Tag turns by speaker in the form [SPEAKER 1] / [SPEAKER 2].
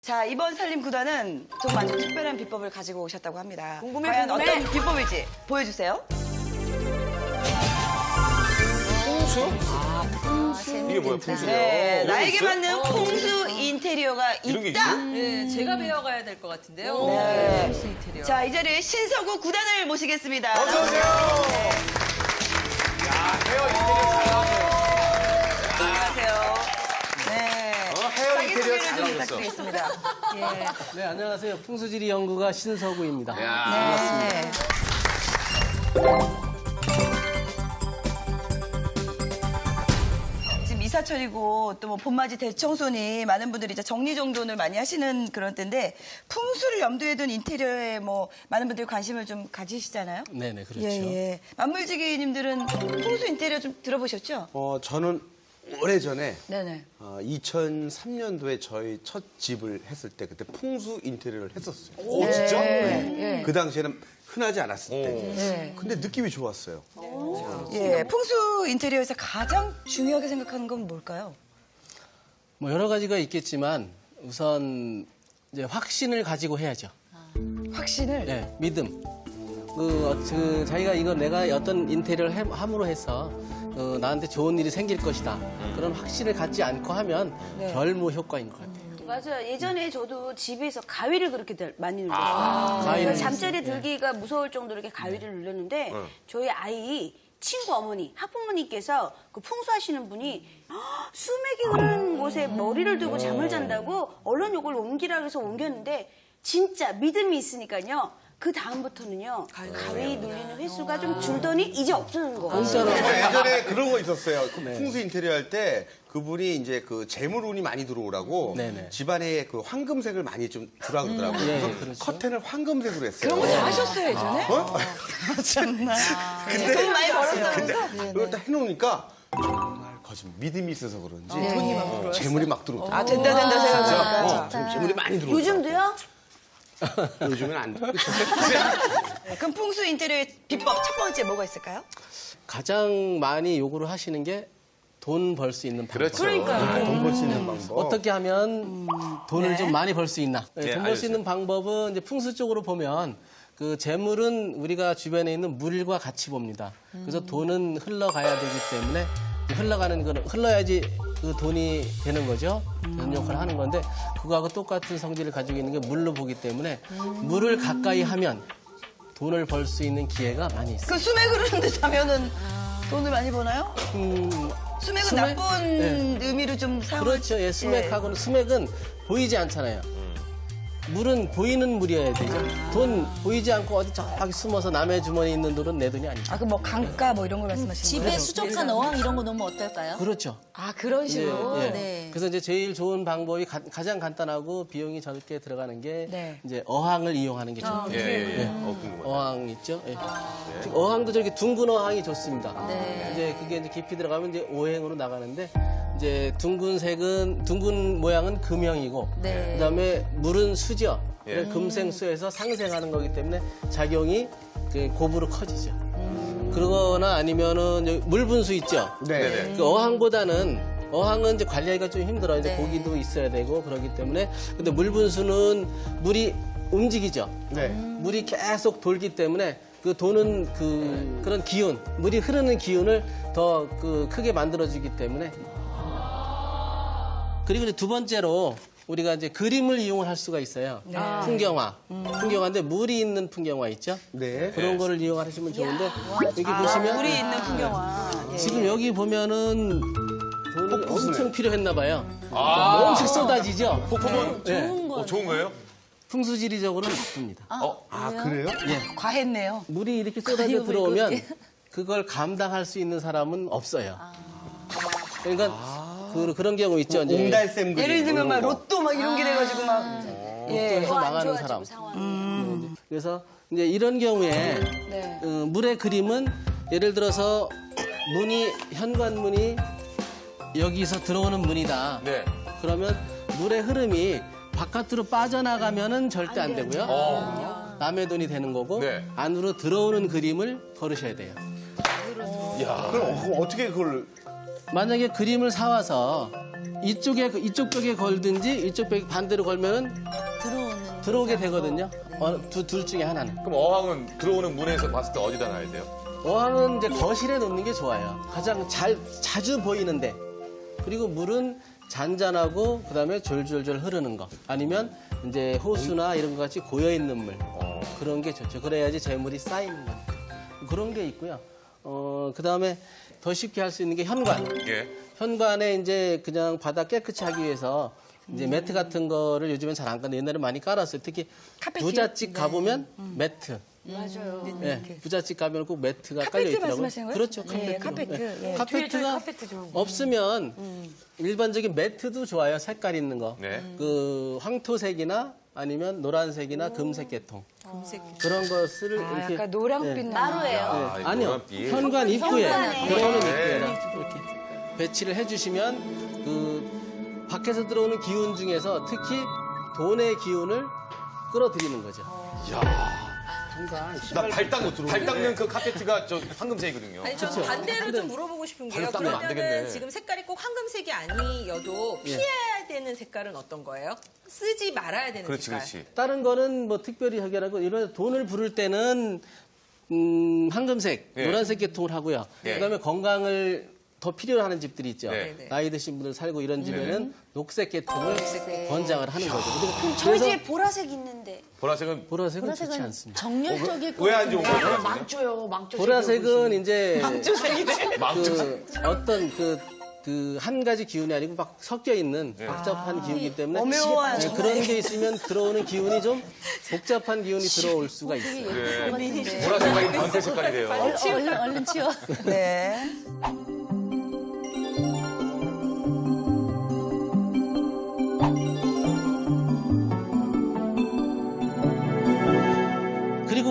[SPEAKER 1] 자, 이번 살림구단은 좀 아주 특별한 비법을 가지고 오셨다고 합니다.
[SPEAKER 2] 궁금해,
[SPEAKER 1] 과연
[SPEAKER 2] 궁금해.
[SPEAKER 1] 어떤 비법일지 보여주세요.
[SPEAKER 3] 이게 뭐야, 풍수요?
[SPEAKER 1] 네, 나에게
[SPEAKER 3] 있어요?
[SPEAKER 1] 맞는 풍수 인테리어가
[SPEAKER 3] 이런 게
[SPEAKER 1] 있다.
[SPEAKER 2] 네, 제가 배워가야 될 것 같은데요.
[SPEAKER 1] 네.
[SPEAKER 2] 풍수 인테리어.
[SPEAKER 1] 자, 이 자리에 신서구 구단을 모시겠습니다.
[SPEAKER 3] 어서오세요. 야, 헤어 인테리어 잘 나왔네요.
[SPEAKER 1] 안녕하세요. 네.
[SPEAKER 3] 헤어
[SPEAKER 1] 자기
[SPEAKER 3] 인테리어
[SPEAKER 1] 소개를
[SPEAKER 3] 잘
[SPEAKER 1] 좀
[SPEAKER 3] 나오셨어.
[SPEAKER 1] 부탁드리겠습니다. 예.
[SPEAKER 4] 네, 안녕하세요. 풍수지리 연구가 신서구입니다.
[SPEAKER 3] 야.
[SPEAKER 1] 네. 지금 이사철이고 또 뭐 봄맞이 대청소니 많은 분들이 이제 정리정돈을 많이 하시는 그런 때인데 풍수를 염두에 둔 인테리어에 뭐 많은 분들이 관심을 좀 가지시잖아요.
[SPEAKER 4] 네네, 그렇죠.
[SPEAKER 1] 예. 만물지기님들은 풍수 인테리어 좀 들어보셨죠?
[SPEAKER 5] 저는 오래전에
[SPEAKER 1] 네네.
[SPEAKER 5] 2003년도에 저희 첫 집을 했을 때 그때 풍수 인테리어를 했었어요.
[SPEAKER 3] 오, 진짜?
[SPEAKER 1] 예.
[SPEAKER 5] 그 당시에는 흔하지 않았을 때.
[SPEAKER 1] 네.
[SPEAKER 5] 근데 느낌이 좋았어요.
[SPEAKER 1] 예. 풍수 인테리어에서 가장 중요하게 생각하는 건 뭘까요?
[SPEAKER 4] 뭐 여러 가지가 있겠지만 우선 이제 확신을 가지고 해야죠.
[SPEAKER 1] 확신을.
[SPEAKER 4] 네, 믿음. 자기가 이거 내가 어떤 인테리어를 함으로 해서 나한테 좋은 일이 생길 것이다. 그런 확신을 갖지 않고 하면 별무 효과인 것 같아요.
[SPEAKER 6] 맞아요. 예전에 저도 집에서 가위를 그렇게 많이 눌렀어요.
[SPEAKER 4] 가위를
[SPEAKER 6] 잠자리에 들기가 무서울 정도로 이렇게 가위를 눌렀는데 저희 아이 친구 어머니, 학부모님께서 그 풍수하시는 분이 수맥이 흐르는 곳에 머리를 두고 잠을 잔다고 얼른 이걸 옮기라 해서 옮겼는데 진짜 믿음이 있으니까요. 그 다음부터는요. 가위 눌리는 횟수가 좀 줄더니 이제 없어지는 거예요.
[SPEAKER 5] 예전에 그런 거 있었어요. 그 풍수 인테리어 할 때 그분이 이제 그 재물운이 많이 들어오라고
[SPEAKER 4] 네네.
[SPEAKER 5] 집안에 그 황금색을 많이 좀 주라 그러더라고요.
[SPEAKER 4] 예,
[SPEAKER 5] 그래서
[SPEAKER 4] 그렇죠.
[SPEAKER 5] 커튼을 황금색으로 했어요.
[SPEAKER 1] 그런 거 다 하셨어요, 예전에? 참나. 돈 많이 벌었다면서?
[SPEAKER 5] 그걸 딱 해놓으니까 정말 믿음이 있어서 그런지
[SPEAKER 1] 돈이 막 들어왔어요.
[SPEAKER 5] 재물이 막 들어오더라고요.
[SPEAKER 1] 아, 된다 생각하니까.
[SPEAKER 5] 지금 재물이 많이 들어오죠.
[SPEAKER 6] 요즘도요?
[SPEAKER 5] 요즘은 안 돼.
[SPEAKER 1] 그럼 풍수 인테리어의 비법 첫 번째 뭐가 있을까요?
[SPEAKER 4] 가장 많이 요구를 하시는 게 돈 벌 수 있는 방법.
[SPEAKER 3] 그렇죠.
[SPEAKER 5] 돈 벌 수 있는 방법.
[SPEAKER 4] 어떻게 하면 돈을 좀 많이 벌 수 있나?
[SPEAKER 3] 네,
[SPEAKER 4] 돈 벌 수
[SPEAKER 3] 알려주세요.
[SPEAKER 4] 있는 방법은 이제 풍수 쪽으로 보면 그 재물은 우리가 주변에 있는 물과 같이 봅니다. 그래서 돈은 흘러가야 되기 때문에 흘러가는 거는 흘러야지 그 돈이 되는 거죠. 그런 역할을 하는 건데 그거하고 똑같은 성질을 가지고 있는 게 물로 보기 때문에 물을 가까이 하면 돈을 벌 수 있는 기회가 많이 있어요.
[SPEAKER 1] 그 수맥 흐르는 데 자면은 돈을 많이 버나요? 수맥은
[SPEAKER 4] 수맥?
[SPEAKER 1] 나쁜 의미로 좀 사용을.
[SPEAKER 4] 그렇죠. 예, 수맥하고는 수맥은 보이지 않잖아요. 물은 보이는 물이어야 되죠. 돈 보이지 않고 어디 저기 숨어서 남의 주머니에 있는 돈은 내 돈이 아니죠.
[SPEAKER 1] 아, 그 뭐 강가 뭐 이런 걸 말씀하시는 거예요?
[SPEAKER 7] 집에 수족한 어항 이런 거 넣으면 어떨까요?
[SPEAKER 4] 그렇죠.
[SPEAKER 1] 아, 그런 식으로.
[SPEAKER 4] 예, 예.
[SPEAKER 7] 네.
[SPEAKER 4] 그래서 이제 제일 좋은 방법이 가장 간단하고 비용이 적게 들어가는 게
[SPEAKER 1] 네.
[SPEAKER 4] 이제 어항을 이용하는 게 좋아요.
[SPEAKER 3] 예. 궁금하다.
[SPEAKER 4] 어항 있죠. 예. 어항도 저렇게 둥근 어항이 좋습니다.
[SPEAKER 7] 네.
[SPEAKER 4] 이제 그게 이제 깊이 들어가면 이제 오행으로 나가는데 이제 둥근 모양은 금형이고
[SPEAKER 7] 네.
[SPEAKER 4] 그다음에 물은 수죠. 금생수에서 상생하는 거기 때문에 작용이 그 곱으로 커지죠. 그러거나 아니면은 여기 물 분수 있죠.
[SPEAKER 5] 네.
[SPEAKER 4] 그 어항은 이제 관리하기가 좀 힘들어요. 이제
[SPEAKER 7] 네.
[SPEAKER 4] 고기도 있어야 되고 그러기 때문에. 근데 물 분수는 물이 움직이죠.
[SPEAKER 5] 네.
[SPEAKER 4] 물이 계속 돌기 때문에 그 도는 그런 기운, 물이 흐르는 기운을 더 크게 만들어주기 때문에. 그리고 이제 두 번째로 우리가 이제 그림을 이용을 할 수가 있어요. 풍경화. 풍경화인데 물이 있는 풍경화 있죠?
[SPEAKER 5] 네.
[SPEAKER 4] 그런 거를 이용하시면 좋은데 여기 보시면
[SPEAKER 1] 물이 있는 풍경화. 예.
[SPEAKER 4] 지금 여기 보면은 돈이 엄청 필요했나 봐요. 엄청 쏟아지죠?
[SPEAKER 3] 폭풍은
[SPEAKER 4] 네.
[SPEAKER 3] 좋은 거예요?
[SPEAKER 4] 풍수지리적으로는 나쁩니다.
[SPEAKER 5] 그래요?
[SPEAKER 1] 과했네요.
[SPEAKER 4] 물이 이렇게 쏟아져 들어오면 그걸 감당할 수 있는 사람은 없어요. 그러니까 그런 경우 있죠. 이제
[SPEAKER 5] 옹달샘 그림.
[SPEAKER 1] 예를 들면 막
[SPEAKER 5] 이런 거.
[SPEAKER 1] 로또 막 이런 게 돼가지고 막. 예.
[SPEAKER 4] 로또에서 망하는 사람.
[SPEAKER 6] 상황이.
[SPEAKER 4] 그래서 이제 이런 경우에
[SPEAKER 1] 네.
[SPEAKER 4] 물의 그림은 예를 들어서 현관문이 여기서 들어오는 문이다.
[SPEAKER 3] 네.
[SPEAKER 4] 그러면 물의 흐름이 바깥으로 빠져나가면은 절대 안 되고요. 남의 돈이 되는 거고
[SPEAKER 3] 네.
[SPEAKER 4] 안으로 들어오는 그림을 걸으셔야 돼요.
[SPEAKER 5] 그럼 어떻게 그걸
[SPEAKER 4] 만약에 그림을 사와서 이쪽 벽에 걸든지 이쪽 벽에 반대로 걸면은 들어오게 되거든요. 둘 중에 하나는.
[SPEAKER 3] 그럼 어항은 들어오는 문에서 봤을 때 어디다 놔야 돼요?
[SPEAKER 4] 어항은 이제 거실에 놓는 게 좋아요. 가장 자주 보이는데. 그리고 물은 잔잔하고 그다음에 졸졸졸 흐르는 거. 아니면 이제 호수나 이런 것 같이 고여 있는 물. 그런 게 좋죠. 그래야지 재물이 쌓이는 거니까. 그런 게 있고요. 그다음에 더 쉽게 할 수 있는 게 현관.
[SPEAKER 3] 예.
[SPEAKER 4] 현관에 이제 그냥 바닥 깨끗이 하기 위해서 이제 매트 같은 거를 요즘엔 잘 안 깔는데 옛날에 많이 깔았어요. 특히 부잣집 가보면 매트. 맞아요. 네, 부잣집 가면 꼭 매트가 깔려 있더라고요.
[SPEAKER 1] 말씀하시는 거예요?
[SPEAKER 4] 그렇죠.
[SPEAKER 1] 예,
[SPEAKER 4] 카페트.
[SPEAKER 1] 카페트. 예.
[SPEAKER 4] 카페트가 없으면 일반적인 매트도 좋아요. 색깔 있는 거.
[SPEAKER 3] 네.
[SPEAKER 4] 그 황토색이나 아니면 노란색이나 금색 계통. 그런 것을 이렇게
[SPEAKER 1] 약간 노랑빛
[SPEAKER 6] 나루예요.
[SPEAKER 3] 아,
[SPEAKER 4] 네, 아니요.
[SPEAKER 3] 노란빛.
[SPEAKER 4] 현관 입구에
[SPEAKER 6] 현관에.
[SPEAKER 4] 들어오는
[SPEAKER 3] 네.
[SPEAKER 4] 입구에다 이렇게 배치를 해주시면 그 밖에서 들어오는 기운 중에서 특히 돈의 기운을 끌어들이는 거죠.
[SPEAKER 3] 나 발 닦는 그 카페트가 저 황금색이거든요.
[SPEAKER 2] 아니, 저는 반대로 좀 물어보고 싶은 게요.
[SPEAKER 3] 발로 닦으면 안
[SPEAKER 2] 그러면은
[SPEAKER 3] 되겠네.
[SPEAKER 2] 지금 색깔이 꼭 황금색이 아니어도 피해야 되는 색깔은 어떤 거예요? 쓰지 말아야 되는
[SPEAKER 3] 그렇지,
[SPEAKER 2] 색깔.
[SPEAKER 3] 그렇지.
[SPEAKER 4] 다른 거는 뭐 특별히 해결하고 이런 돈을 부를 때는 황금색,
[SPEAKER 3] 예.
[SPEAKER 4] 노란색 계통을 하고요.
[SPEAKER 3] 예.
[SPEAKER 4] 그다음에 건강을 더 필요로 하는 집들이 있죠.
[SPEAKER 3] 네.
[SPEAKER 4] 나이 드신 분들 살고 이런 집에는 녹색 계통을 권장을 하는 거죠.
[SPEAKER 6] 저희 집에 보라색 있는데.
[SPEAKER 3] 보라색은
[SPEAKER 4] 보라색은 좋지 않습니다.
[SPEAKER 7] 정열적일 것
[SPEAKER 3] 왜 안 좋은
[SPEAKER 7] 같은데.
[SPEAKER 3] 거예요?
[SPEAKER 8] 망조요, 망조.
[SPEAKER 4] 보라색은 이제
[SPEAKER 3] 망조.
[SPEAKER 4] 그 어떤 그 한 가지 기운이 아니고 막 섞여 있는 복잡한 기운이기 때문에
[SPEAKER 1] 오묘한
[SPEAKER 4] 네, 그런 게 있으면 들어오는 기운이 좀 복잡한 기운이 들어올 수가 있어요.
[SPEAKER 3] 보라색이 변태 색깔이래요.
[SPEAKER 7] 얼른 치워.
[SPEAKER 1] 네.